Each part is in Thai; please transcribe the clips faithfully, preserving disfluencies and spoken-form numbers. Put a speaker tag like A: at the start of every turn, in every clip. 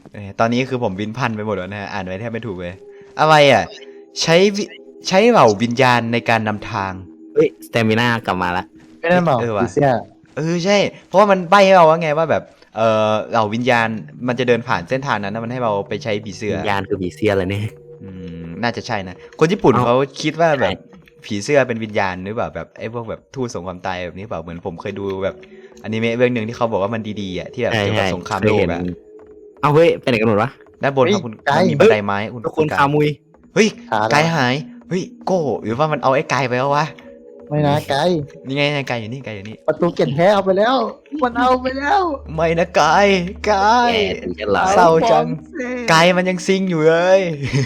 A: ตอนนี้คือผมวินพันไปหมดแล้วนะฮะอ่านไว้แทบไม่ถูกเลยอะไรอ่ะใช้ใช้เหล่าวิญญาณในการนำทาง
B: เฮ้ยสเตมิน่ากลับมาละ
C: ไม่นั่นหรอผีเสื้อ
A: เออใช่เพราะว่ามันใบ้ให้เราว่าไงว่าแบบเออเหล่าวิญญาณมันจะเดินผ่านเส้นทางนั้นนะมันให้เราไปใช้ผีเสื้อ
B: วิญญาณคือผีเสื้อเลยเนี่ย
A: อืมน่าจะใช่นะคนญี่ปุ่น
B: เอา
A: เขาคิดว่าแบบ
B: ใช่
A: ผีเสื้อเป็นวิญญาณหรือเปล่าแบบไอ้พวกแบบทูตสงครามตายแบบนี้เปล่าเหมือนผมเคยดูแบบอนิเมะเรื่องหนึ่งที่เขาบอกว่ามันดีๆอ่ะที่แบบ
B: ใช่
A: เกี่ยวกับ
B: ใช่
A: สงคราม
B: เค
A: โล
B: ย
A: ก
B: เห็น
A: อ่ะ
B: เอาเฮ้ยไปไหนกันหมดวะ
A: ด้านบนครับคุณมันมีบันไดไม้คุณ
B: ทุกคน
A: ณ
B: คามุย
A: เฮ้ย
C: ขา
A: ไกายหายเฮ้ยโก้หรือว่ามันเอาไอ้ไกายไปแล้ววะ
C: ไม่นะไกด์
A: นี่ไงไกายอยู่นี่ไกายอยู่นี่
C: ประตูเก็บแท้เอาไปแล้ว มันเอาไปแล้ว
A: ไม่นะไกายไกาย
B: แย่ถึงจะหลับ
A: เศร้าจัง
C: อฟอง
A: ไกายมันยังซิงอยู่เลย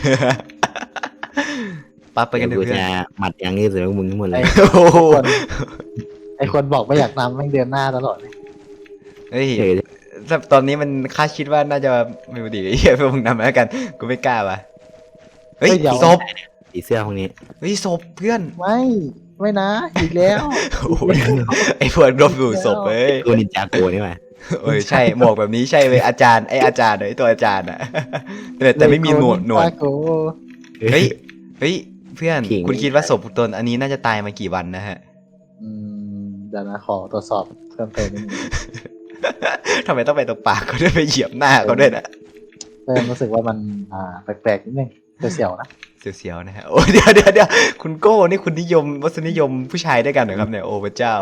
A: ปั๊บไปกันเถ
B: เดี๋ยว
A: อะ
B: กู
A: เพื่อน
B: จะหมัดอย่างนี้เสือมึงทั้งหมดเล
C: ไอ้
B: ย
A: โอ้โห
C: คนไอ้คนบอกไม่อยากนำแม่งเดือนหน้าตลอดเลย
A: เฮ้ย
B: เดี๋ยว
A: แต่ตอนนี้มันคาดคิดว่าน่าจะไม่รู้ดิเฮียเพื่อนมึงนำมาแล้วกันกูไม่กล้าว่ะเฮ้ยศพ
B: ผีเสื้อพวกนี้
A: เฮ้ยศพเพื่อน
C: ไม่ไม่นะอีกแล้ว
A: โอ้ยไอ้พวกรบอยู่ศพเอ้ย
B: กูนินจาโกนี่มา
A: เอ้ยใช่หมวกแบบนี้ใช่เลยอาจารย์ไอ้อาจารย์ไอ้ตัวอาจารย์อ่ะแต่แต่ไม่มีหนวดหนวด
C: ตาโก
A: เฮ้ยเฮ้ยเพื่อนคุณคิดว่าศพตนอันนี้น่าจะตายมากี่วันนะฮะ
C: อืมเดี๋ยวนะขอตรวจสอบเพิ่มเติมนิดนึง
A: ทำไมต้องไปตรงปากเขาด้วยไปเหยียบหน้าเขาด้วยนะ
C: เริ่มรู้สึกว่ามันอ่าแปลกๆนิดนึงเสียวๆนะ
A: เสียวๆนะฮะโอ้เดี๋ยวเดี๋ยวเดี๋ยวคุณโก้นี่คุณนิยมวัฒนิยมผู้ชายด้วยกันเหรอครับเนี่ยโอ้พระเจ้า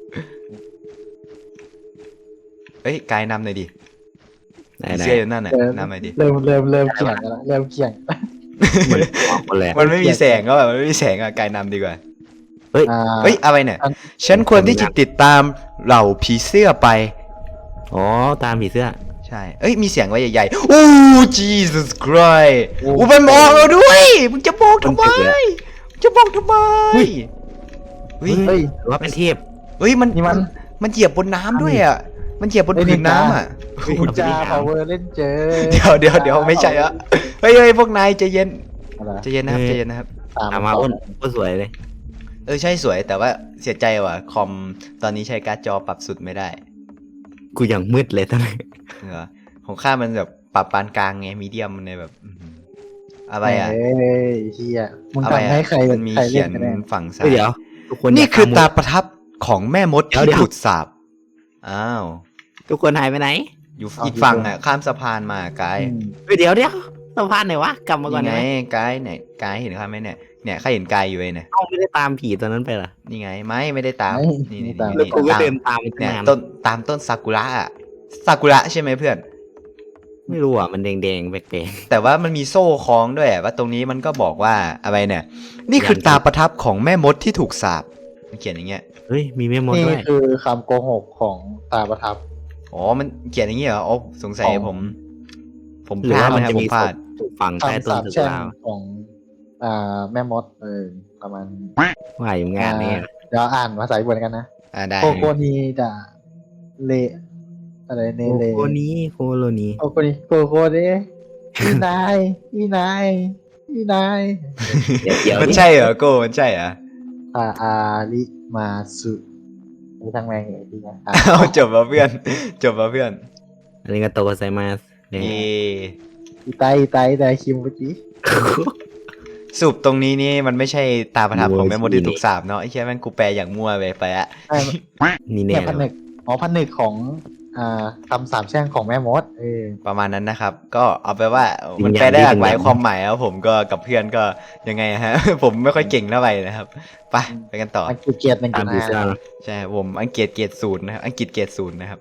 A: เฮ้ยกายนำหน่อยดิ
B: ไหน
A: ผี
B: ไหน
A: เสื้ออยู่นั่นน่ะ
C: เริ่ม
A: นำหน่อยดิ
C: เริ่มเริ่มเริ่มเกี่ยงกันแล้วเริ่มเกี่ยง
B: เหมือนออกคนแรก
A: มันไม่มีแสงก็แบบมันไม่มีแสงอะกายนำดีกว่า
C: อ่า
A: เฮ้ยอะไรเนี่ย
C: อัน
A: ฉันควรที่จะติดตามเหล่าผีเสื้อไป
B: อ๋อตามผีเสื้อ
A: ใช่เอ้ยมีเสียงไว้ใหญ่ๆโอ้ Jesus Christ อู้มันมองเราด้วยมึงจะมองทำไมมึงจะมองทำไมเฮ้ย
C: เฮ้ย
B: หรือว่าเป็นเทพ
A: เฮ้ยมัน
C: นี่มัน
A: มันเหยียบบนน้ำด้วยอ่ะมันเหยียบบน
C: เฮ้ย
A: ผืนน้ำอ่ะ
C: คุณจาพาวเวอร์เล่นเจอ
A: เดี๋ยวเดี๋ยวเดี๋ยวไม่ใช่อะเฮ้ยเฮ้ยพวกนายใจเย็น
C: อะไร
A: ใจเย็นนะครับใจเย็นนะครับ
C: ตาม
B: ตามมาอ้นอ้นสวยเลย
A: เออใช่สวยแต่ว่าเสียใจว่ะคอมตอนนี้ใช้การ์ดจอปรับสุดไม่ได้
B: กูยังมืดเลยตอนนี้
A: เหรอของข้ามันแบบปรับปานกลางไงมีเดียมมันเลยแบบอื้อหืออะไรอ่ะ
C: เฮ้ยเฮียมึง
A: อะไร
C: ทำ
A: อ่ะ
C: ให้ใคร
A: มันมี
C: ใคร
A: เขี
C: เล่
A: ย
C: น
A: น
C: กันแน่
A: ฝั่งซ้า
B: เฮ้ย
A: ย
B: เดี๋ยวทุกคน
A: นี่คือตา
B: ย่
A: ประทับของแม่มด
B: เดี๋ยว
A: ที่
B: เดี๋ยว
A: ถูกสาปอ้าว
B: ทุกคนหายไปไหน
A: อยู่อีกฝั่งอ่ะข้ามสะพานมาไกด์
C: อืม
B: เฮ้ยเดี๋ยวเดี๋ยวสะพานไหนวะกลับมาก่อน
A: นี่ไง
B: ได้ไหม
A: ไกด์เนี่ยไกด์เห็นข้าไหมเนี่ยเนี่ยข้าเห็นไกด์อยู่เลยเนี่ย
B: เอ้าไม่ได้ตามผีตัวนั้นไปเหรอ
A: นี่ไงไม่ไม่ได้ตาม
C: ไม่
A: นี่
C: ไม่
A: นี่
C: ตาม
B: แล้ว
A: นี่
B: กูก็
A: ตาม
B: เดินตามไปตั้ง
A: เนี่ย
B: นาน
A: ต้นตามต้นซากุระอะซากุระใช่ไหมเพื่อน
B: ไม่รู้อ่ะมันแดงๆแปลก
A: แต่ว่ามันมีโซ่คล้องด้วยอะว่าตรงนี้มันก็บอกว่าอะไรเนี่ย นี่คือตาประทับของแม่มดที่ถูกสาปมันเขียนอย่างเงี้ย
B: ๆเฮ้ยมีแม่มด
C: นี่
B: ด้วย
C: คือคำโกหกของตาประทับ
A: อ๋อมันเขียนอย่างเงี้ยเหรออ๋อสงสัย
C: ของ
A: ผม ผม
B: หรือ
A: พลาด
B: ว่ามัน
A: นะครับ
B: จะ
A: ผ
B: มี
A: มพลาด
B: ถูกฝังใต้
C: คำ
B: ต้น
C: สาป
B: ตึก
C: แช่ง
B: ลาว
C: ของอ่าแม่มดเออประมาณ
B: ว่าอยู่งานนี้
C: อ่เดี๋ยวอ่านภาษาญี่ปุ่นกันนะ
A: อ่าได้
C: โคโกนีดะเลอะไรเน
B: โค
C: เล
B: โคนี้โคโลนี้
C: โคโกนีโคโกเดอีนายอีนายอีนาย
B: เดี๋ยวเดี๋ยว
A: มัน
B: นี่
A: ใช่เหรอโก้มันใช่เหรอ
C: อาอาริมาสุมีทั้งแมงเลยที่นะอ่ะ
A: เอาจบแล้วเพื่อน จบแล้วเพื่อน
B: อันนี้ก็โตไซมาสเนี่ย
A: เย่
C: อีไตอีไตแต่คิมเมื่อกี้
A: สรุปตรงนี้นี่มันไม่ใช่ตาประทับของแม่มดที่ถูกสาปเนาะไอ้แค่แม่งกูแปลอย่างมั่วไปไปอะ
C: ใช่
B: นี่
C: เนี่
B: แน่
C: ย
B: เล
C: ผ
B: ย
C: นึ
B: วะ
C: กอ๋อผนึกของอ่าคำสาปแช่งของแม่มดเออ
A: ประมาณนั้นนะครับ ก็เอาไปว่ามันแปลได้หลากหลายความหมายแล้วผมก็กับเพื่อนก็ยังไงฮะ ผมไม่ค่อยเก่งเท่าไหร่นะครับไปไปกันต่อ
C: อังกฤษเกียรติหนึ่ง
B: ตา
C: จุ
B: ม
C: ด
B: ผี
C: ห้า
B: เสื้อเนอะ
A: ใช่ผมอังกฤษเกรดศูนย์นะครับอังกฤษเกรดศูนย์นะครับ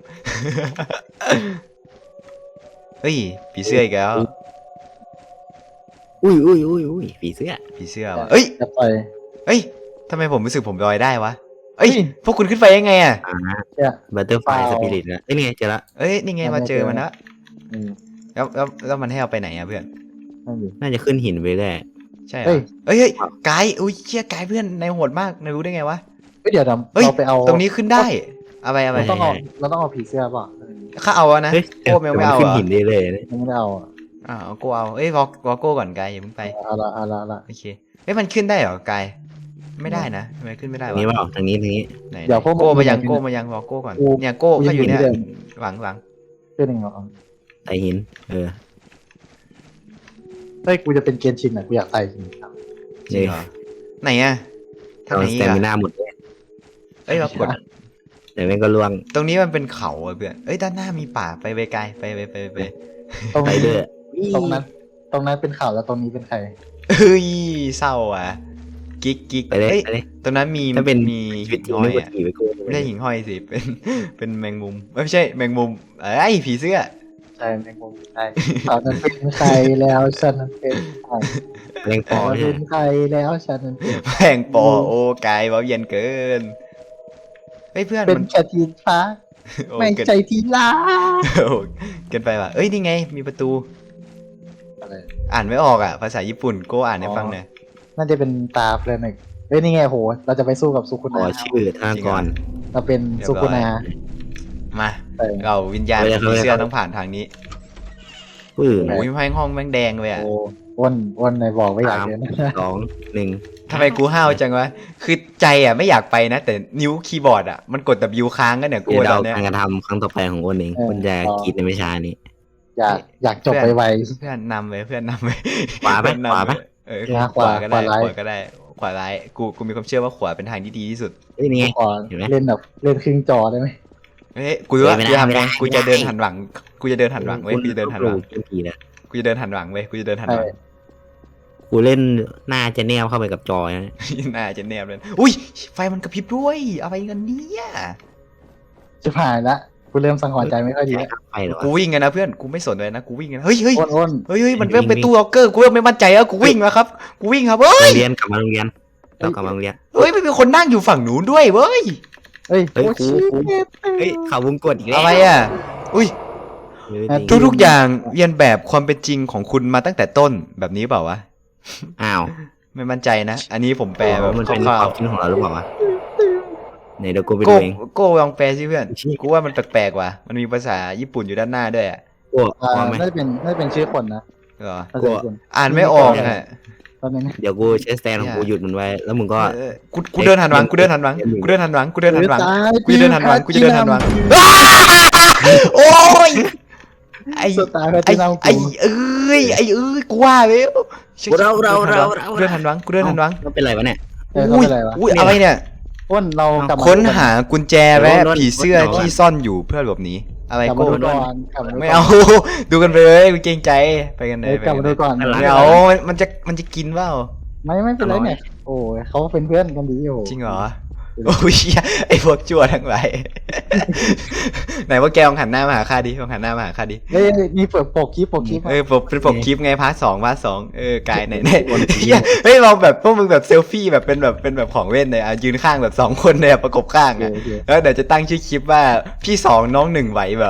A: เฮ้ยผีเสื้ออีกแล้ว
B: อุ้ยอุ้ยอุ้ยอุ้ยผีเสื้อ
A: ผีเสื้อวะเอ้ย
C: จะปล่อย
A: เอ้ยทำไมผมรู้สึกผมลอยได้วะเอ้ย
C: เฮ้ย
A: พวกคุณขึ้นไปยังไงอ่ะ
B: อ่า
C: เนี่ย
B: บัตเตอร์ไฟ
C: เปล่า
B: สปิริตนะเอ้ยนี่ไงเจอละ
A: เอ้ยนี่ไงมาเจอมันแล้ว
C: อืม
A: แล้วแล้วแล้วมันให้เอาไปไหนอ่ะเพื่อน
C: นั่นดิ
B: น่าจะขึ้นหินไปได้
A: ใช่เหร
C: เฮ้
A: อย เอ้ยเฮ้ยไกด์อุ้ยเชี่ยไกด์เพื่อนในายโหดมากนายรู้ได้ไงวะ
C: เฮ้ยเดี๋ยวเรา
A: เฮ้ย
C: เราไปเอา
A: ตรงนี้ขึ้นได้อะไรอะไร
C: เราต้องเอาเราต้องเอาผีเสื้อป่ะเออ
A: ข้าเอาอะนะ
B: เฮ้ย
A: โก้แมวไม่เอา
B: ขึ้น
A: เหรอ
B: หินได้เลยนะ
C: ยังไม่ได้เอาอ่ะ
A: อ่าเอาโก้เอาเอ้ยรอรอโก้ก่อนไกด์อย่าเพิ่งไป
C: เอาละเอาละเอาละ
A: โอเคเอ้ยมันขึ้นได้เหรอไกด์ไม่ได้นะทำไมขึ้นไม่ได้
B: ทาง
A: วะ
B: นี้เปล่าทางนี้ทางนี้
A: ไหน
C: เดี๋ยวพวก
A: โก้มายัง
C: มึง
A: โก้มายังรอโก้ก่อน
C: กู
A: เนี่ยโก้
C: กู
A: เขาอยู่เนี่ย
C: ยังอยู่ที่เดิม
A: หลังหลัง
C: เสื้อหนึ่งเหรอ
B: ไตหิน เออ
C: เฮ้ยกูจะเป็นเกนชินอ่ะกูอยากใส่จริงครับ
A: จริงเหรอไหนอะทาง
B: เอา
A: ไหน
B: ส
A: อี
B: เต
A: ก
B: มิ
A: อะ
B: นาหมดเลย
A: เอ้ยเรากด
B: แต่แม่งก็ล่วง
A: ตรงนี้มันเป็นเขาอะเพื่อนเอ้ยด้านหน้ามีป่าไปไปไกลไปไปไปไป
C: ตรง
B: ไป
C: นี้
B: เด้อ
C: ตรงนั้น ตรงนั้นเป็นข่าวแล้วตรงนี้เป็นใคร
A: เฮ้ยเศร้าอ่ะกิ๊กกิ๊ก
B: ไปเลย
A: เอ้ย
B: ไปเลย
A: ตรงนั้นมี
B: ถ้าเป็น
A: มี
B: ชีวิ
A: หิ่
B: ต
A: ง
B: จริง
A: ห้อ
B: ไม่
A: ย
B: กด
A: อะ
B: ขี่ไปกู
A: ไม่ใช่หิ่งห้อยสิเป็นเป็นแมงมุมเอ้ยไม่ใช่แมงมุมเอ้ยผีเสื้อ
C: ใช่แมงมุมใช่ตอนนั้นเป็นใครแล้วฉันนั้นเป็นใคร
B: แรงป
C: ต
B: อ
C: อน
B: ใช่
C: เป็นใครแล้วฉันนั้นเป็น
A: แมงปอโอ้กายเบาเย็นเกินเฮ้ยเพื่อน
C: เป็น
A: มัน
C: แค่ทีฟ้า
A: โอ้
C: ไม่
A: เกิน
C: ใช่ทีลา
A: โอ้เกินไปว่ะเอ้ยนี่ไงมีประตู
C: อะไร
A: อ่านไม่ออกอ่ะภาษาญี่ปุ่นโก้อ่านให้ฟังหน่อย
C: น่าจะเป็นตาเพลินหนึ่งเฮ้ยนี่ไงโหเราจะไปสู้กับสุคุ
B: ข
C: นา
B: อชื่อธนากร
C: เราเป็นสุคุนา
A: มา
C: เออ
A: เราวิญญาณ
B: เอาเลย
A: ผีเสื้อ
B: เอาเลย
A: ต้องผ่านทางนี้
B: ปื้อ
A: โอ้ยแพงห้องแม่งแดงเลยอ่ะ
C: โอ้อ้นอ้นในบอกไม่อยาก
B: สาม
C: เรียน
B: สองหนึ่ง
A: ทำไมกูห้าวจังวะคือใจอ่ะไม่อยากไปนะ แต่นิ้วคีย์บอร์ดอ่ะมันกด W ค้างกันเนี่ยกู
B: เดี๋ยว
A: ต
B: เรา
A: อนเนี้ย
B: การกระทำครั้งต่อไปของอ้นเองอ้นจะคิดในไม่ช้านี้
C: อยากอยากจบไปไว
A: เพื่อนนำไปเพื่อนนำไป
B: ขวาไหม
A: เพื่อนนำ
B: ขวาไหม
A: เออ
C: ขวา
A: ขวาก็ได้
C: ขวาร้าย
A: ขวาก็ได้ขวาร้ายกูกูมีความเชื่อว่าขวาเป็นทางที่ดีที่สุด
B: เอ้ยนี่ไง
C: ก่อน
B: เห็นไหม
C: เล่นแบบเล่นครึ่งจอได้ไหม
A: เฮ้ยกูรู้ว่า
B: ไม่
A: กู
B: ได้
A: จะทำ
B: ไม่
A: ไง
B: ได้
A: กูจะ
B: ไม่ได้
A: เดินหันหลังกูจะเดินหันหลังเว้ยกูจะเดินหันหลัง
B: เกมผีนะ
A: กูจะเดินหันหลังเว้ยกูจะเดินหันหลัง
B: กูเล่นหน้าจะแนวเข้าไปกับจอยนะ
A: น่าจะแนบเลยอุ้ยไฟมันกระพริบด้วยอะไรกันเนี่ย
C: จะผ่านละกูเริ่มสังหรณ์ใจไม่ค่อยดี
B: ใช้
C: แล้ว
B: ไฟเหรอวะ
A: กูวิ่งกันนะเพื่อนกูไม่สนเลยนะกูวิ่งกันเฮ้ยเฮ้ย
C: อ้นอ้น
A: เฮ้ยเฮ้ยมัน
B: วิ่
A: เริ่ม
B: ง
A: เป็น
B: วิ่ง
A: ตู้ล็อกเกอร์กูเริ่มไม่มั่นใจแล้วกูวิ่งแล้วครับกูวิ่งครับเฮ้
B: โร
A: ย
B: งเรียนกลับมาโรงเรียนเรากลับมาโรงเรียน
A: เฮ้ยไม่มีคนนั่งอยู่ฝั่งนู้นด้วยเว้ย
C: เฮ้ย
B: เฮ้ย
C: โอ้
B: กู
C: ชิ
B: กู เฮ้ยเขาวงกดอีกแล้ว
A: อะไรอ่ะอุ้ย
B: เฮ้ย
A: ทุกๆอย่างเรียนแบบความเป็นจริงของคุณมาตั้งแต่ต้นแบบนี้เปล่าวะ
B: อ้าว
A: ไม่มั่นใจนะ อันนี้ผมแปลแบบ
B: มันเป็น
A: คร่า
B: คว วามคิดของเราหรือเปล่าวะไหนเดี๋ยวกูไป
A: ๆ
B: ดู
A: โก้
B: เอง
A: โก้ลองแปลสิเพื่อน
B: ชี้
A: กูว่ามันแปลกๆว่ะมันมีภาษาญี่ปุ่นอยู่ด้านหน้าด้วยอ่ะ
B: กู
C: อ่า
B: พร้อมไหม
C: น่าจะเป็นน่าจะเป็นชื่อคนนะ
A: เหรอ
C: น่าจะเป็นคน
A: อ่านไม่ออกอ่ะ
C: ตอนนี้นะ
B: เดี๋ยวกูใช้สแตนของกูหยุดมันไว้ แล้วมึงก็
A: เออกูกูเดินหันหลังกูเดินหันหลังกูเดินหันหลังกูเดินหันหลัง
C: ตาย
A: กูจะเดินหันหลังกูจะเดินหันหลังโอ้ยไอ้
C: สุดตายแพ
A: ไอ้
C: ทินัม
A: ไอ้
C: กู
A: เอ้ยไอ้เอ้ยกูว่าแล้ว
B: เราเราเราเรา
A: กูเดินหันหลังกูเดินหันหลัง
B: มันเป็นไรวะเนี่ย
C: เออเขา
A: อุ้ย
C: เป็นไรวะ
A: อุ้ยอะไรเนี่ย
C: อ้นเรากลับมา
A: ค้นหากุญแจและ
B: โดนโดน
A: ผีเสื้อ
B: โดน
A: ที่ซ่อนอยู่เพื่อหลบหนีอะไร
C: กลับ
A: กู
C: มาดูก่อนกลับมาดูก่น
A: ไม่เอา ดูกันไปเลยกูเกรงใจไปกันเล
C: เฮ้
A: ย
C: ยกลับมาดูก่อน
A: ไม่เอามันจะมันจะกินเปล่า
C: ไม่ไม่เป็นไรเนี่ยโอ้ยเขาเป็นเพื่อนกันดีอยู่
A: จริงเหรอโอ้ยเหี้ยไอ้พวกชั่วทั้งหลาย ไหนว่าแกลองหันหน้ามาหาข้าดิลองหันหน้ามาหาข้าดิ
C: เฮ้ยมีเปิดปกคลิปปกคลิป
A: เออปกเป็นปกคลิปไงพาร์ทสองพาร์ทสองเออกายไหนไหนเหี้ยเฮ้ยเราแบบพวกมึงแบบเซลฟี่แบบเป็นแบบเป็นแบบของเล่นเลยอ่ะยืนข้างแบบสองคนเลยอ่ะประกบข้าง
C: โอ
A: อ่ะ
C: เคโอเค
A: แล้วเดี๋ยวจะตั้งชื่อคลิปว่าพี่สองน้องหนึ่งไหวเหรอ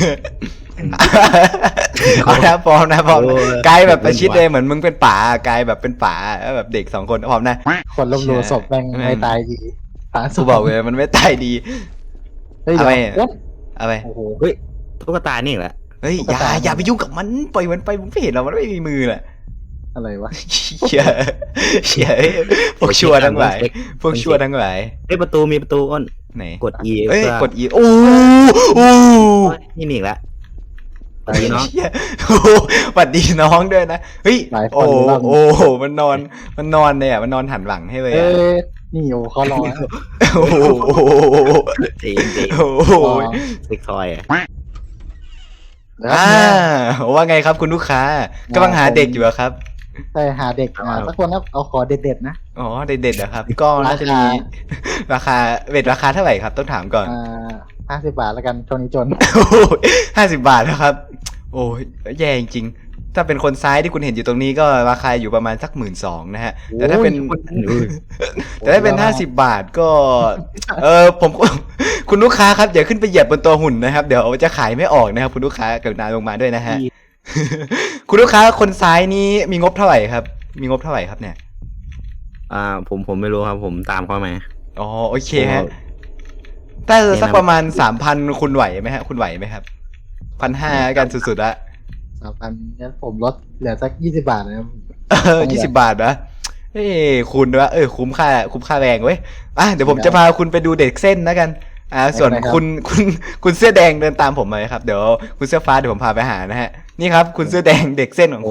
A: เอานะพร้อมนะพร้อมนะกายแบบประชิดเลยเหมือนมึงเป็นป๋ากายแบบเป็นป๋าแล้วแบบเด็กสองคนพร้อมนะ
C: คนลบหลู่ศพแม่งไม่ตายดีหาศ
A: กู
C: พ
A: บอกเลยมันไม่ตายดี
C: เฮ้ย
A: เอา
C: เดี๋ยว
A: ไป
C: อ้น
A: อะไร
C: โอ้โห
B: เฮ้ยตุ๊กตานี่แหละ
A: เฮ้ยอย่าอย่าไปยุ่งกับมันปล่อยมันไปมึงไม่เห็นหรอมันไม่มีมือแหละ
C: อะไรวะ
A: เชี่ยเชี่ยพวกชั่วทั้งหลายพวกชั่วทั้งหลาย
B: เฮ้ยประตูมีประตูอ้น
A: ไหน
B: กด E
A: เอ้ย
B: เพื่อก
A: ด E โอ้โอ้
B: นี่นี่อีกแล้วสวัสดีน้อง
A: เชี่ยโอ้หวัดดีน้องด้วยนะเฮ้ยโอ้โอ้มันนอนมันนอนเนี่ยมันนอนหันหลังให้เลย
C: เอ้
A: อะ
C: ยนี่โอ้เขารอนะ
A: โอ้โห
B: เจ๋งเจ๋ง
A: โอ้โห
B: เซ็กทอยอ่ะ
C: เดี๋ยว
A: อ่าว่าไงครับคุณลูกค้ากำลังหาเด็กอยู่เหรอครับ
C: ใช่หาเด็กอ่าสักคนนะเอาขอเด็ดๆนะ
A: อ๋อเด็ดๆเหรอครับ ก็น่าจะมีราคาเวทราคาเท่าไหร่ครับต้องถามก่อน
C: อ่าห้าสิบบาทแล้วกันช่วงนี้จน
A: ห้าสิบบาทนะครับ โอ้ยแย่จริงๆถ้าเป็นคนซ้ายที่คุณเห็นอยู่ตรงนี้ก็ราคาอยู่ประมาณสักหมื่นสองนะฮะ แต่ถ้าเป็น แต่ถ้าเป็นห้าสิบบาทก็ เออผม คุณลูกค้าครับอย่าขึ้นไปเหยียบบนตัวหุ่นนะครับ เดี๋ยวจะขายไม่ออกนะครับคุณลูกค้ากรุณาลงมาด้วยนะฮะ คุณลูกค้าคนซ้ายนี้มีงบเท่าไหร่ครับ มีงบเท่าไหร่ครับเนี่ย
B: อ่าผมผมไม่รู้ครับผมตามเข้ามา
A: อ๋อโอเคฮะถ้าสักประมาณสามพันคุณไหวไหมฮะคุณไหวไหมครับพันห้ากันสุดๆละ
C: สามพันงั้นผมลดเหลือสักยี่สิบบาทนะครับ
A: เออยี่สิบบาทนะเอ้คุณว่าเออคุ้มค่าคุ้มค่าแรงเว้ยอ่ะเดี๋ยวผมจะพาคุณไปดูเด็กเส้นนะกันอ่าส่วนคุณคุณคุณเสื้อแดงเดินตามผมมาครับเดี๋ยวคุณเสื้อฟ้าเดี๋ยวผมพาไปหานะฮะนี่ครับคุณเสื้อแดงเด็กเส้นของคุณ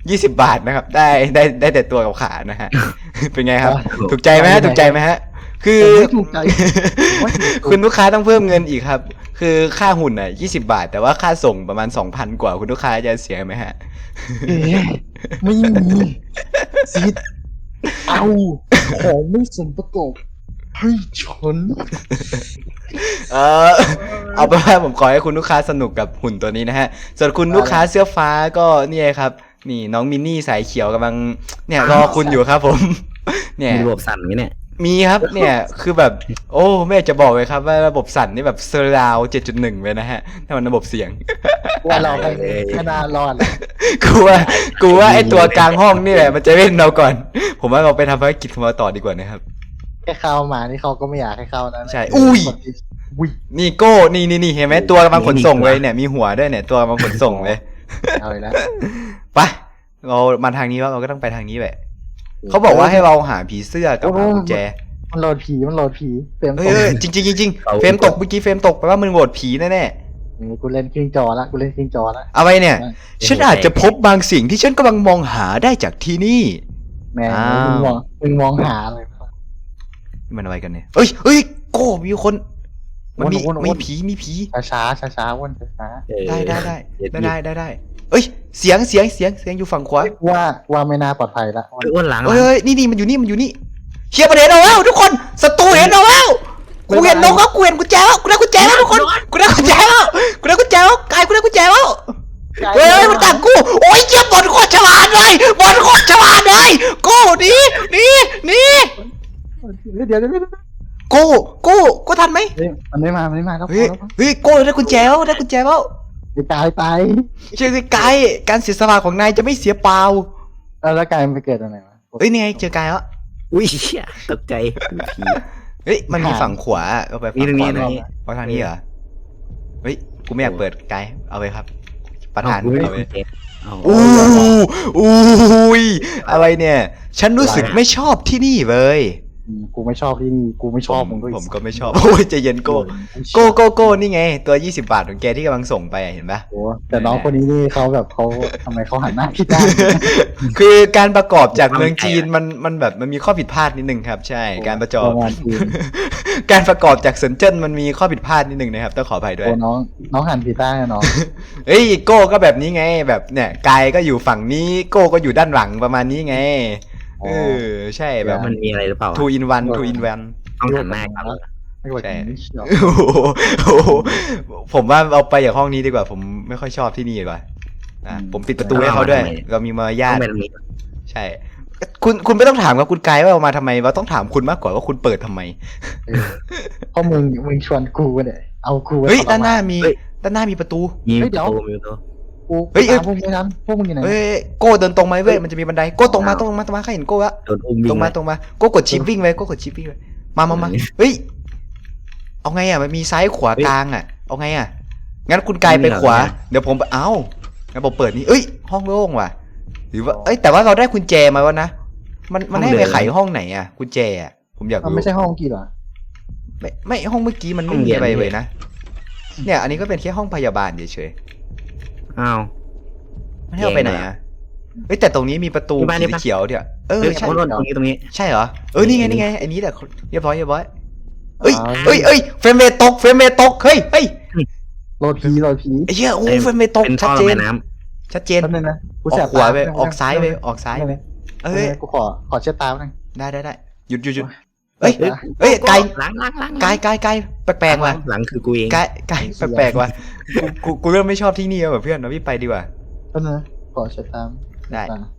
A: ยี่สิบบาทนะครับ ได้ได้ได้แต่ตัวกับขานะฮะ เป็นไงครับ ถูกใจไหมฮะถูกใจไหมฮะ คือ
C: ไม่ถูกใจไม่ถูกใจ
A: คุณลูกค้าต้องเพิ่มเงินอีกครับ คือค่าหุ่นอ่ะยี่สิบาท แต่ว่าค่าส่งประมาณสองพันกว่าคุณลูกค้าจะเสียไหมฮะ
C: เอ๊ะไม่มีซีดเอาของไม่สมประกอบให้ฉัน
A: เออเอาเป็นว่าผมขอให้คุณลูกค้าสนุกกับหุ่นตัวนี้นะฮะ ส่วนคุณลูกค้าเสื้อฟ้าก็เนี่ยครับ นี่น้องมินนี่สายเขียวกำลังเนี่ยรอคุณอยู่ครับผม เนี่ย
B: มีระบบสั่นไหมเนี่ย
A: มีครับเนี่ยคือแบบ โอ้ไม่อยากจะบอกเลยครับว่าระบบสั่นนี่แบบเซอร์ราว เจ็ดจุดหนึ่ง เลยนะฮะถ้ามันระบบเสียง
C: ว่าเราไปขนาดรอด
A: กูว่ากูว่าไอตัวกลางห้องนี่แหละมันจะเล่นเราก่อน ผมว่าเราไปทำภารกิจของเราต่อดีกว่านะครับ
C: แค่เข้ามานี่เขาก็ไม่อยากให้เข้านะ
A: ใช่อุ้ย
C: อุ้ย
A: นี่โก้นี่นี่นี่เห็นไหมตัวกำลังขนส่งเลยเนี่ยมีหัวด้วยเนี่ยตัวกำลังขนส่งเลย
C: เอาอีกแล้ว
A: ไปเรามาทางนี้ว่าเราก็ต้องไปทางนี้แหละเขาบอกว่าให้เราหาผีเสื้อกับหากุญแจ
C: มันโหลดผีมันโหลดผีเฟรม
A: เฮ้ยเฮ้ยจริงจริงจริงๆเฟรมตกเมื่อกี้เฟรมตกแปลว่ามึงโหวตผีแน่
C: นี่กูเล่นครึ่งจอละกูเล่นครึ่งจอละ
A: ๆเอาไปเนี่ย ฉันอาจจะพบบางสิ่งที่ฉันกำลังมองหาได้จากที่นี่
C: แม่ง
A: อ้าว
C: มึงมองมึงมองหาอะไร
A: นี่มันอะไรกันเนี่ยเอ้ยเอ้ยโก้มีคน มันมี
C: วนๆๆ
A: มีผีมีผี
C: ช้าช้าช้าช้าๆวนช้าช้า
B: เออ
A: ได้ได้ได้
B: เดี๋ยว
A: ได้ได้ได้ได้เอ้ยเสียงเสียงเสียงเสียงอยู่ฝั่งขวา
C: ๆว่าว่าไม่น่าปลอดภัยละ
B: เฮ้ยอ้วนหลัง
A: เอ้ยเอ้ยนี่นี่มันอยู่นี่มันอยู่นี่เชียร์ประเด็นเอาแล้วทุกคนศัตรูเห็นเอาแล้วกูเห็นนกแล้วกูเห็นกุญแจแล้วกูได้กุญแจแล้วทุกคนกูได้กุญแจแล้วกูได้กุญแจแล้วกายกูได้กุญแจแล้วเฮ้ยเฮ้ยมันกัดกูโอ้ยเจี๊ยบบอลโคตรฉลาดเลยบอลโคตรฉลาดเลยกูหนี่นี่นี่
C: เดี๋ยวเดี๋ยวเดี๋ยว
A: กูกูกูทันไหม
C: เฮ้ยมันไม่มามันไม่มาแล้วพ
A: เฮ้ย
C: อแล้วพอ
A: เฮ้ยกูได้กุญแจแล้วได้กุญแจแล้ว
C: ไปตายตาย
A: เชื่อสิกายการเสียสละของนายจะไม่เสียเปล่า
C: แล้วแล้วกายมันไปเกิดตรงไหนวะ
A: เฮ้ยนี่ไงเจอกายแล้ว
B: อุ้ยเชี่ยตกใจผี
A: เฮ้ยมันมีฝั่งขวาเอาไป
B: นี่
A: ฝั่ง
B: ตรง
A: ข
B: นี้
A: วา
B: ตรงนี้
A: เอาทางนี้เหรอเฮ้ยกูไม่อยากเปิดกายเอาไปครับ ประธาน
B: เอกูไม่
A: เอาไป
B: ได้เจ็บเอา
A: อู้อู้ยอะไรเนี่ย ฉันรู้สึกไม่ชอบที่นี่เลย
C: อืมกูไม่ชอบที่นี่กูไม่ชอบมึงด้วย
A: ผมก็ไม่ชอบโอ้ยใจเย็นโก้โก้โก้โก้นี่ไง ตัวยี่สิบบาทของแกที่กำลังส่งไปอะเห็นปะ
C: โอ้แต่น้องคนนี้นี่เขาแบบเขาทำไมเขาหันหน้าคิดได้
A: คือการประกอบจากเมืองจีนมันมันแบบมันมีข้อผิดพลาดนิดนึงครับ ใช่การประจอบ
C: ประมาณจีน
A: การประกอบจากเซินเจิ้นมันมีข้อผิดพลาดนิดนึงนะครับต้องขออภัยด้วย
C: โอ้น้องน้องหันผิดด้านนะน้อง
A: เฮ้ยโก้ก็แบบนี้ไงแบบเนี่ยกายก็อยู่ฝั่งนี้โก้ก็อยู่ด้านหลังประมาณนี้ไงเออใช่แบบ
B: มันมีอะไรหรือเปล่า
A: two in one two in one
B: ต้องหันหน้ากัน
C: ไม่กว่า
A: ใช่
C: นี้เชียว
A: โอ้โหโอ้โหผมว่าเอาไปจากห้องนี้ดีกว่า ผมไม่ค่อยชอบที่นี่ดีกว่าอ่ะผมปิดประตูให้เขาด้วย เรามีมารยา
B: ต้อ
A: ท
B: งเป็นมี
A: ใช่ คุณคุณไม่ต้องถามกับคุณกายว่าเอามาทำไมว่าต้องถามคุณมากกว่าว่าคุณเปิดทำไม
C: เออเพราะมึงมึงชวนกูเนี่ยเอากูไว้
A: เฮ้ย
C: ทรม
A: ด้านหน้ามีด้านหน้ามีประตู
B: มีประตูมีประตู
C: กู
A: เฮ้ยเอ้ย
C: ตามพวกมึงไม่ทันพวกมึงอยู่ไหน
A: เฮ้ยโก้เดินตรงมาเว้ยมันจะมีบันไดโก้ตรงมาตรงมาตรงมาข้าเห็นโก้ละ
B: โดนอุ้มวิ่
A: ตรง งมาตรงมาโก้กดชิปวิ่งไปโก้กดชิปวิ่งไปมามามาเฮ้ยเอาไงอ่ะมันมีซ้ายขวากลางอ่ะเอาไงอ่ะงั้นคุณกายไปขวาเดี๋ยวผมเอ้างั้นผมเปิดนี่เอ้ยห้องโล่งว่ะหรือว่าเอ้ยแต่ว่าเราได้กุญแจมาวะนะมันมันให้ไปไขห้องไหนอ่ะกุญแจอ่ะผมอยาก
C: มัน
A: รู้
C: ไม่ใช่ห้องกี่เหรอ
A: ไม่ไม่ห้องเมื่อกี้มันไม่มีอะไรเลยนะเนี่ยอันนี้ก็เป็นแค่ห้องพยาบาลเฉย
B: อ้าว
A: ๆไม่ให้เอาไปไหนอ่ะเฮ้ยแต่ตรงนี้มีประตูสีเขียวเดี๋ยวเออ
B: เฮ้ย
A: ใช่
B: ตรงนี้ตรงนี้
A: ใช่เหรอเออนี่ไงนี่ไงไอ้นี้แหละเรียบร้อยเรียบร้อยเอ้ยเอ้ยเอ้ยเฟรมเรทตกเฟรมเรทตกเฮ้ยเฮ้ย
C: โหลดผีโหลดผี
A: ไอ้เหี้ยโอ้เฟรมเรทตก
B: เป็น
A: ชั
B: ท่
A: ด
B: อ
A: เจ
B: ระบาย
A: น
B: น้
A: ชัดเจน
C: แป๊บนึงนะกู
A: อ
C: แส
A: อบ กขวาไป
C: ต
A: ออกซ้ายไปออกซ้ายไป
C: เอ
A: เอ้ย
C: อกูขอขอเช็ดตาหน่อย
A: ได้ได้ได้หยุดหยุดหยุดเอ้ย
C: เฮ้ย
A: เอ้ยไกล
B: ำล้างล้างล้าง
A: ไกลไกลไกลแปลกๆว่ะ
B: หลังคือกูเอง
A: ไกลไกลแปลกๆว่ะกูกูกูเริ่มไม่ชอบที่นี่แล้วแบบเพื่อนเราพี่ไปดีกว่า
C: แป๊บนึงนะขอเช็ดตาม
A: ได้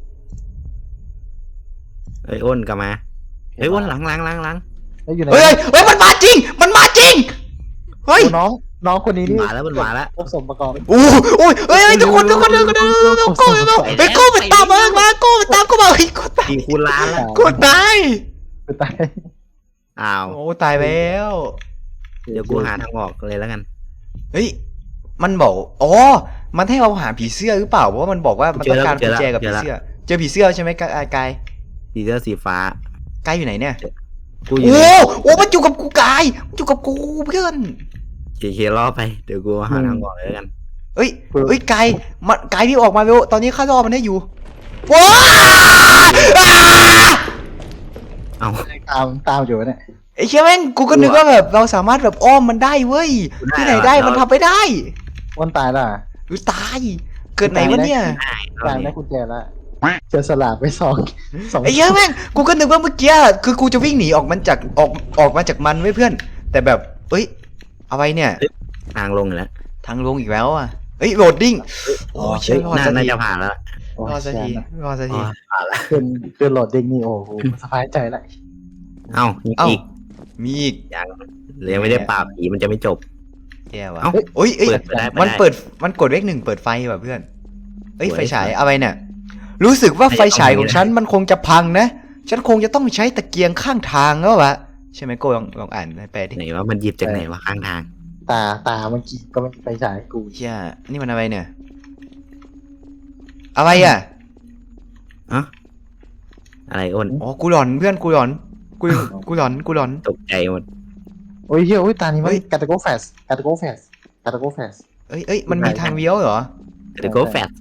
B: เอ้ยอ้นกลับมาเฮ้ยอ้นหลังหลังหลังหลัง
C: เฮ้ยอยู่ไหน
A: เฮ้ยเฮ้ยมันมาจริง มันมาจริงเฮ้ย
C: โอ้น้องน้องคนนี้นี่
B: มาแล้วมันมาแล้ว
C: ครบสมประกอบ
A: โอ้โอ้ยเฮ้ยเฮ้ยทุกคนทุกคนทุกคนทุกคนทุกคนเฮ้ยโก้มันตามมามาโก้มันตามกูมาเฮ้ยโก้ตาย
B: กี่คูณล้านละ
A: โก้ตาย
C: กูตาย
B: อ้าว
A: โอ้ตายแล้ว
B: เดี๋ยวกูหาทางออกเลยแล้วกัน
A: เฮ้ยมันบอกอ๋อมันให้เราหาผีเสื้อหรือเปล่าเพราะว่ามันบอกว่ามันต้องการกุญแจกับผีเสื้อเจอผีเสื้อใช่ไหมกายกาย
B: สีเสื้อสีฟ้าก
A: ายอยู่ไหนเนี่ย
B: กูอยู่
A: โอ้
B: ใน
A: โอ้มันอยู่กับกูกายมันอยู่กับกูเพื่อน
B: เคเคล่อไปเดี๋ยวกูหาทางออกเลยแล้วกัน
A: เอ้ยเอ้ยกายมันกายพี่ออกมาเร็วตอนนี้ข้ารอมันให้อยู่
C: ก
A: ว้า
B: เอา
C: ตามตามอยู่เนี่ย
A: ไอ้เชี่ยแม่งกูก็นึกว่าแบบเราสามารถแบบอ้อมมันได้เว้ยที่ไหนได้มันทำไม่ได้
C: วันตายแล้ว
A: หรือตายเกิดไหนวะเนี่ย
C: ตายได้กุญแจแล้วเจอสลากไปสองสอง
A: ไอ้เหี้ยแม่งกูก็นึกว่าเมื่อกี้คือกูจะวิ่งหนีออกมันจากออกออกมาจากมันไว้เพื่อน แต่แบบเอ้ยอะไรเนี่ย
B: ทางลงแล้ว
A: ทางลงอีกแล้วอ่ะเอ้ยโหลดดิ้งโอ้ยเชี่ยรอด
B: น่า
A: สัก
B: น่า
A: ที
B: จะผ่านแล้ว
C: โอ้
A: รอดสักที
C: แชมป์
A: รอดสักที
B: ผ่านแล้ว
C: เป็นเป็นโหลดเด้งนี่โอ้โหสบายใจละ
B: เอ้ามี
A: เอ้า
B: อีก
A: มีอีก
B: ยังยังไม่ได้ปราบผีมันจะไม่จบ
A: แย่ว่ะ
B: เอ้า
A: โอ้ยเอ้ย
B: เปิดไปได้
A: มัน
B: ไได้
A: เปิดมันกดเลขหนึ่งเปิดไฟแบบเพื่อนเอ้ย
B: โอ้ย
A: ไฟฉายอะไรเนี่ยรู้สึกว่า
B: ไม่
A: ไฟฉายของ
B: เอาไม่ได้
A: ฉันมันคงจะพังนะฉันคงจะต้องใช้ตะเกียงข้างทางแล้ววะใช่ไหมโกลองลองอ่านให้แปลดิ
B: ไหนว่ามันหยิบจากไหนวะข้างทาง
C: ตาตาเมื่อกี้ก็ไม่ไปฉายกู
A: เชี่ยนี่มันอะไรเนี่ย อะไรอ่ะ
B: อะอะไรอ้น
A: อ๋อ กูหลอนเพื่อน กูหลอน กู กูหลอน กูหลอน
B: ตกใจหมด
C: โอ้ยเฮ้ยโอ้ยตานี้มั
A: เฮ้
C: น
A: ย
C: กาตาโกแฟสกาตาโกแฟสกาตาโกแฟส
A: เอ้ยเอ้ย มันมีทางเลี้ยวเหรอ
B: เดี๋ยวก็แฟด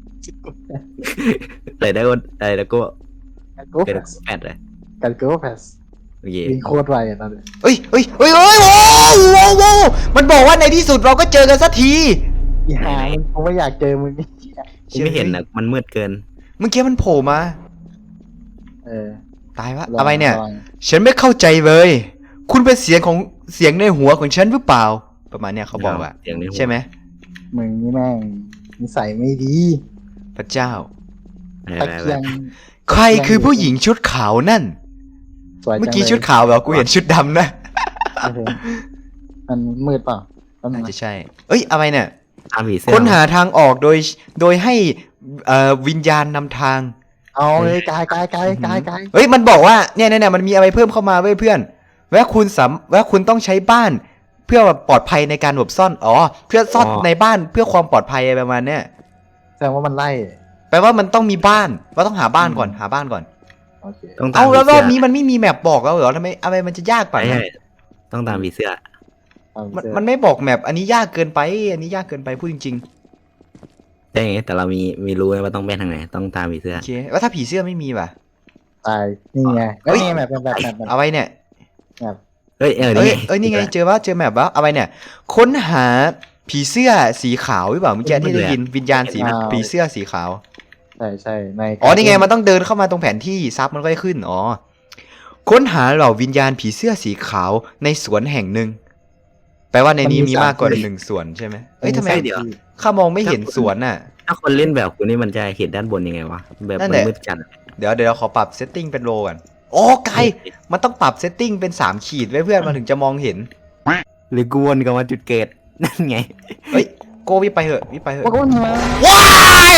B: เลยได้อ้นอะไรแล้วก็
C: กาตาโก
B: เดี๋
C: แฟ
B: ยว
C: ส
B: แฟดเลย
C: กาตาโกแฟส
B: โอเค
C: วิ่งโคตรไวอ่ะตอนนี้
A: เอ้ยเอ้ยเอ้ยเอ้ยโอ้โหโอ้โหมันบอกว่าในที่สุดเราก็เจอกันสักที
C: อีหามันกูไม่อยากเจอมึงนี่
B: กูไม่เห็นนะมันมืดเกิน
A: เมื่อกี้มันโผล่มา
C: เออ
A: ตายวะ
C: ลง
A: อะไรเนี่ย
C: ลง
A: ฉันไม่เข้าใจเลย คุณเป็นเสียงของเสียงในหัวของฉันหรือเปล่า ประมาณเนี้ยเขาบอกอะ
B: เสียงในหัว
A: ใช่ไหม
C: มึงนี่แม่งนิสัยไม่ดี
A: พระเจ้า
B: อะไร
C: ตะ
B: อะไร
C: เกียง
A: ใครคือผู้หญิงชุดขาวนั่น
C: สวยจัง
A: เมื่อกี้ชุดขาวเหรอ กูเห็นชุดดำนะ
C: โอเคมันมืดเปล่าแป๊บนึ
A: น่าง
C: นะ
A: จะใช่ เอ้ย อะไรเนี่ย
B: ตามผีเสื้อ
A: ค้นหาทางออกโดยโดยให้เอ่อวิญญาณนำทาง
C: เอาเลยกายกายกายกายกาย
A: เฮ้ยมันบอกว่าเนี่ยเนี่ยเนี่ยมันมีอะไรเพิ่มเข้ามาเว้ยเพื่อนว่าคุณสามว่าคุณต้องใช้บ้าน เพื่อปลอดภัยในการหลบซ่อนอ๋อเพื่อซ่อนในบ้านเพื่อความปลอดภัยอะไรประมาณเนี้ย
C: แสดงว่ามันไล่
A: แปลว่ามันต้องมีบ้านว่าต้องหาบ้านก่อนหาบ้านก่อน
C: โอเค
B: ต้องตาม
A: เอา
B: ผี
A: แล้วร
B: เสื้
A: อ
B: อบ
A: นี้มันไม่มีแมปบอกแล้วเหรอทำไมอะไรมันจะยากไป
B: ไม่ใช่ต้องตามผีเสื้อ
C: เอา
A: มัน
C: เสื้อ
A: มันไม่บอกแมปอันนี้ยากเกินไป อันนี้ยากเกินไปพูดจริง
B: ใช่ไงแต่เรามีมีรู้ไงว่าต้องไปทางไหนต้องตามผีเสื้
A: ๆ
B: อ
A: โอเคว่าถ้าผีเสื้อไม่มีป่ะ
C: ตายนี่ไง
A: เฮ้
C: เฮ้
A: ย
C: ยแบบแบบแบบแบบแบบ
A: เอาไว้เนี่ย
B: เฮ้ยเออ
A: เอ้ย
B: นี่
A: เอ้ยนี่ไงเจอว่าเจอแมปว่าเอาไว้เนี่ย ค้นหาผีเสื้อสีขาวหรือเปล่าเมื่อกี้ที่ได้ยินวิญญาณสีผีเสื้อสีขาว
C: ใช่ใช่ใน
A: อ๋อ นี่ไง มันต้องเดินเข้ามาตรงแผนที่ซับมันก็จะขึ้น อ๋อ ค้นหาเหล่าวิญญาณผีเสื้อสีขาวในสวนแห่งหนึ่ง แปลว่าในนี้มีมากกว่าหนึ่งสวนใช่ไหมเอ้ยทำไม
B: เดี๋ยว
A: ข้ามองไม่เห็นสวนน่ะ
B: ถ้าคนเล่นแบบกูนี่มันจะเห็นด้านบนยังไงวะแบบ
A: นั่น
B: มั
A: แห
B: น
A: ละ
B: มืดจัด
A: เดี๋ยวเดี๋ยวขอปรับเซตติ้งเป็นโลก่อนโอ้ไกลมันต้องปรับเซตติ้งเป็นสามขีดไว้เพื่อนมันถึงจะมองเห็น
B: หรือกูวนกลับมาจุดเกิดนั่นไง
A: เฮ้ย โกวิไปเหอะวิไปเหอะ
C: ว่าก็มา
A: ว้าย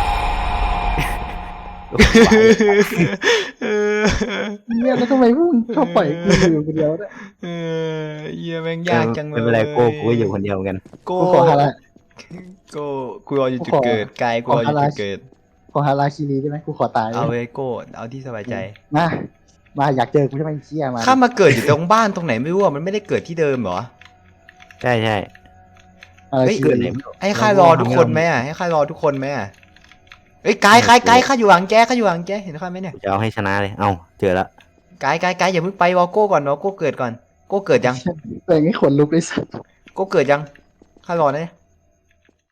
A: เออ
C: เนี่ยแล้วทำไมพวกมึงชอบปล่อยกูอยู่คนเดียวเนี่ย
A: เออเยี่ยแม่งยากจังเลย
B: ไม่เป็นไรโก้กูก็อยู่คนเดียวเหมือนกัน
A: โก
C: กูขอฮารา
A: โกกูรออยู่จุดเกิดกายกูรออยู่จุดเกิด
C: ขอฮาราคิรีได้ไหมกูขอตาย
A: เอาเว้ยโกเอาที่สบายใจ
C: มามาอยากเจอกูใช่ไหมไอ้เชี่ยมา
A: ข้ามาเกิดอยู่ตรงบ้านตรงไหนไม่รู้อะมันไม่ได้เกิดที่เดิมเหรอ
B: ใช่ใช่
C: อะไร
A: เฮ้ย
C: คิ
B: เกิด
C: รี
B: ไหนไม่รู้
A: ให้ข้ารอทุกคนไหมอะให้ข้ารอทุกคนไหมอะเอ้ยกายกายกายข้าอยู่หลังแกข้าอยู่หลังแกเห็นข้าไหมเนี่ย
B: กูจะเอาให้ชนะเลยเอ้าเจอแล้ว
A: กายกายกายอย่าเพิ่งไปวอโก้ก่อนวอโก้เกิดก่อนโก้เกิดยัง
C: แต่ไม่ขนลุกเลยสัตว์
A: โก้เกิดยังข้ารอนะเนี่ย